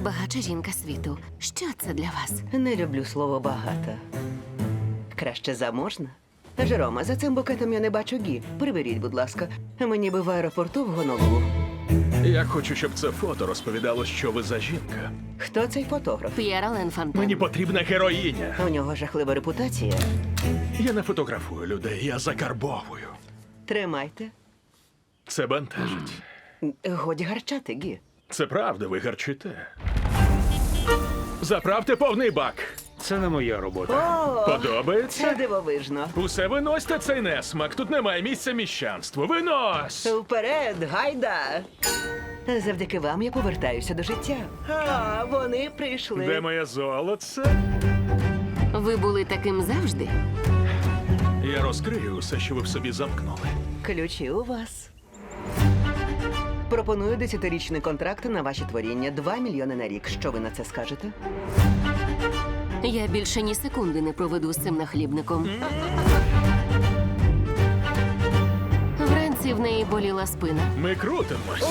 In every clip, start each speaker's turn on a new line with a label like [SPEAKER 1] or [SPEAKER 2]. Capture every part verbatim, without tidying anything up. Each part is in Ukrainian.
[SPEAKER 1] Найбагатша жінка світу. Що це для вас?
[SPEAKER 2] Не люблю слово багата. Краще заможна. Жерома, за цим букетом я не бачу гі. Приберіть, будь ласка. Мені би в аеропорту в Гонолулу.
[SPEAKER 3] Я хочу, щоб це фото розповідало, що ви за жінка.
[SPEAKER 2] Хто цей фотограф?
[SPEAKER 1] П'єр Ален Фонтен.
[SPEAKER 3] Мені потрібна героїня.
[SPEAKER 2] У нього жахлива репутація.
[SPEAKER 3] Я не фотографую людей, я закарбовую.
[SPEAKER 2] Тримайте.
[SPEAKER 3] Це бентежить.
[SPEAKER 2] Годі гарчати, гі.
[SPEAKER 3] Це правда, ви гарчите. Заправте повний бак.
[SPEAKER 4] Це не моя робота.
[SPEAKER 2] О, це
[SPEAKER 3] Подобається?
[SPEAKER 2] дивовижно.
[SPEAKER 3] Усе виносьте цей несмак. Тут немає місця міщанству. Винось!
[SPEAKER 2] Вперед, гайда! Завдяки вам я повертаюся до життя. А, вони прийшли.
[SPEAKER 3] Де моє золоце?
[SPEAKER 1] Ви були таким завжди?
[SPEAKER 3] Я розкрию усе, що ви в собі замкнули.
[SPEAKER 2] Ключі у вас. Пропоную десятирічний контракт на ваші творіння. Два мільйони на рік. Що ви на це скажете?
[SPEAKER 1] Я більше ні секунди не проведу з цим нахлібником. Вранці в неї боліла спина.
[SPEAKER 3] Ми крутимось.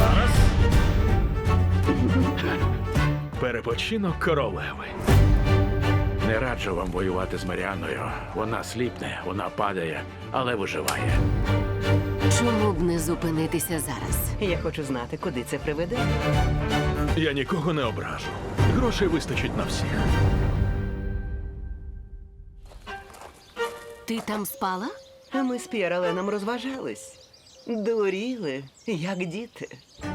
[SPEAKER 3] Перепочинок королеви.
[SPEAKER 4] Не раджу вам воювати з Маріаною. Вона сліпне, вона падає, але виживає.
[SPEAKER 1] Чому б не зупинитися зараз?
[SPEAKER 2] Я хочу знати, куди це приведе.
[SPEAKER 3] Я нікого не ображу. Грошей вистачить на всіх.
[SPEAKER 1] Ти там спала?
[SPEAKER 2] А ми з П'єр Аленом розважались. Дуріли, як діти.